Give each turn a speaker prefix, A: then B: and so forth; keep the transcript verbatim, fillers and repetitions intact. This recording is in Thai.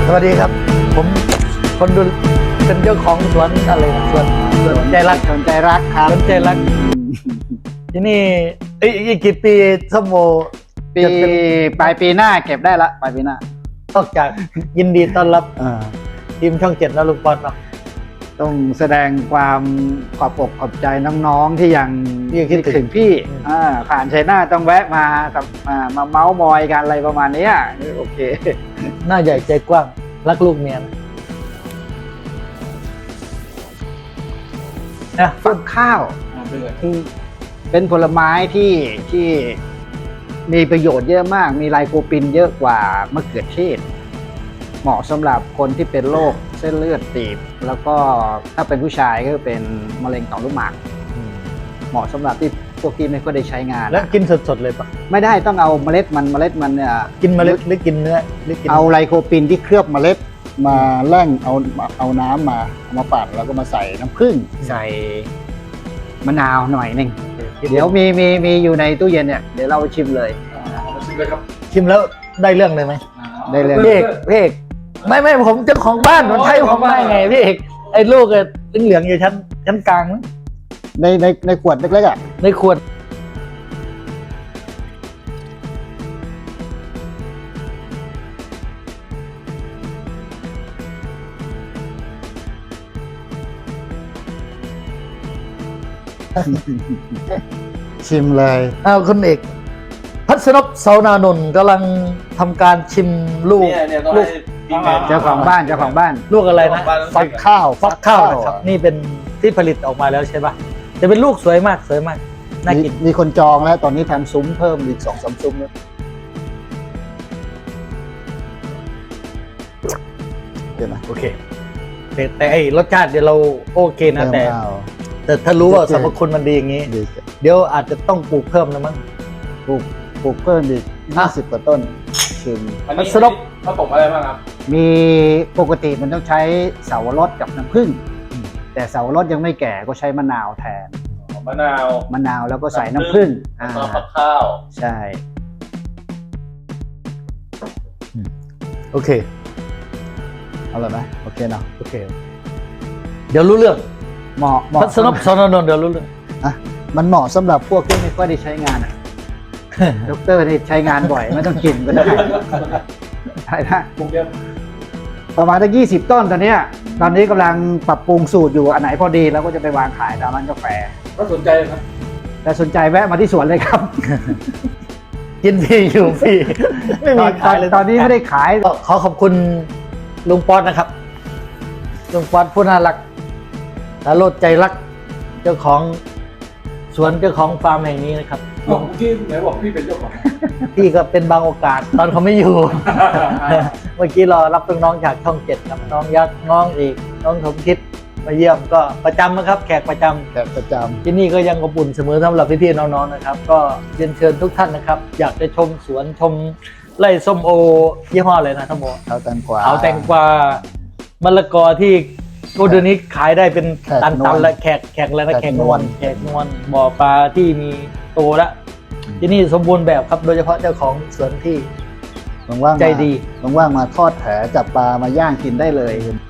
A: สวัสดีครับผมคนดูเป็นเจ้าของสวนอะไรนะสวนสวนใจรัก
B: สวนใจรักครับ
A: สวนใจรักที่นี่เอ้ยอีกกี่ปีส้มโอ
B: ปี
A: จะเป็น
B: ปลายปีหน้าเก็บได้ละปลายปีหน้าน
A: อกจากยินดีต้อนรับ
B: อ่า
A: ทีมช่องเจ็ดนะลุงปอนเนาะ
B: ต้องแสดงความขอบอกขอบใจน้องๆที่ยัง
A: ที่ยังคิดถึง
B: ถึงพี่
A: อืม
B: อ่าผ่านชัยนาทต้องแวะมากับมามาเมาส์มอยกันอะไรประมาณเนี้ยโอเค
A: หน้าใหญ่ใจกว้างรักลูกเมียนะนะ
B: ฟักข้าวคือเป็นผลไม้ที่ที่มีประโยชน์เยอะมาก มีไลโคปินเยอะกว่ามะเขือเทศ เหมาะสำหรับคนที่เป็นโรคเส้นเลือดตีบ แล้วก็ถ้าเป็นผู้ชายก็เป็นมะเร็งต่อมลูกหมากเหมาะสำหรับที่พวกที่ไม่ค่อยได้ใช้งาน
A: แล้วกินสดๆเลยปะ
B: ไม่ได้ต้องเอาเมล็ดมันเมล็ดมันเนี่ย
A: กินเมล็ดหรือกินเนื้อหรือกิน
B: เอาไลโคปินที่เคลือบเมล็ดมาแล่งเอาเอาน้ำมาเอามาปั่นแล้วก็มาใส่น้ำผึ้งใส่มะนาวหน่อยหนึ่งเดี๋ยวมีมีมีอยู่ในตู้เย็นเนี่ยเดี๋ยวเราไปชิมเลย
A: ชิมแล้วได้เรื่องเลยไหม
B: ได้เลย
A: พี่เอกพี่เอกไม่ไม่ผมเจ้าของบ้านมันใช่ผมได้ไงพี่เอกไอ้ลูกอะเหลืองๆอยู่ชั้นชั้นกลางมั้ง
B: ในในในขวดเล็กๆอ่ะ
A: ในขวด
B: ชิมเลย
A: อ้าวคุณเอกพัศนพเสานานนท์กำลังทำการชิมลูก
C: เนี่ยเนี่ยต้อง
A: ลู
C: ให้
A: ก
C: พี่แมน
B: เจ้าของบ้านเจ้าของบ้าน
A: ลูกอะไรนะ
B: ฟักข้าว
A: ฟักข้าวนะครับนี่เป็นที่ผลิตออกมาแล้วใช่ปะจะเป็นลูกสวยมากสวยมากน่ากิน
B: มีมีคนจองแล้วตอนนี้ทำซุ้มเพิ่มอีกสองสามซุ้มแล้วเห็นไหม
A: โอเคแต่แต่ไอ้รสชาติเดี๋ยวเราโอเคนะแต่
B: เติมเอา
A: แต่ถ้ารู้ว่าสรรพคุณมันดีอย่างนี้
B: ดี
A: เดี๋ยวอาจจะต้องปลูกเพิ่มนะมั้ง
B: ปลูกปลูกเพิ่มอีกยี่สิบกว่าต้นชิม
C: อันนี้
A: สรุป
C: ผสมอะไรบ้างครับ
B: มีปกติมันต้องใช้เสาวรสกับน้ำผึ้งแต่เสาวรสยังไม่แก่ก็ใช้มะนาวแทน
C: มะนาว
B: มะนาวแล้วก็ใส่น้ำผึ้งอ่า
C: แล้วก็ฟักข้าว
B: ใช่
A: โอเค
B: เอาเลยไหมโอเคเนาะ
A: โอเค เดี๋ยวรู้เรื่อง
B: เหมาะเหมาะ
A: พัศนพเสานานนท์เดี๋ยวรู้เรื่อง
B: อ่ะมันเหมาะสำหรับพวกที่ไม่ค่อยได้ใช้งาน อ่ะ ดอกเตอร์ได้ใช้งานบ่อยไม่ต้องกินก็ได้ใช่นะ
C: ปรุงเยอะ
B: ประมาณตั้งยี่สิบต้นตอนเนี้ยตอนนี้กำลังปรับปรุงสูตรอยู่อันไหนพอดีแล้วก็จะไปวางขายตามร้านกาแฟ
C: ก็สนใจครับ
B: แต่สนใจแวะมาที่สวนเลยครับ
A: กินฟรีอยู่ฟรีไม่
B: ต
A: มี
B: อน
A: ขายเลย
B: ตอนนี้ไม่ได้ขาย
A: ก็ขอขอบคุณลุงป๊อตนะครับลุงป๊อตผู้น่ารักตาโลดใจรัก เจ้าของสวนเจ้าของฟาร์มแห่งนี้นะครับ
C: เมื่อกี้ไหนบอกพี่เป็นเจ้าของ
A: พี่ก็เป็นบางโอกาส ตอนเขาไม่อยู่ เมื่อกี้รอรับน้องๆจากช่องเจ็ดครับน้องยักษ์น้องอีกน้องสมคิดมาเยี่ยมก็ประจำนะครับ แขกประจำ
B: แขกประจ
A: ที่นี่ก็ยังอบอุ่นเสมอสำหรับพี่ๆน้องๆนะครับ ก็เรียนเชิญทุกท่านนะครับ อยากจะชมสวนชมไร่ส้มโอยี่ห้ออะไรนะทั้งหมด
B: ำเอาแตงกวา
A: เอาแตงกวามะละกอที่โกเดยวนี้ขายได้เป็น
B: แขก
A: ตัน
B: น
A: ตั
B: วล
A: นและแขกแขกแล้วนะ
B: แข
A: แข
B: ก
A: ก
B: น
A: น
B: ว
A: ว
B: ล
A: ลแขกนวลบ่อปลาที่มีโตแล้วที่นี่สมบูรณ์แบบครับโดยเฉพาะเจ้าของสวนที่
B: ว่างๆ
A: ใจดี
B: มาว่างๆมาทอดแผลจับปลามาย่างกินได้เลย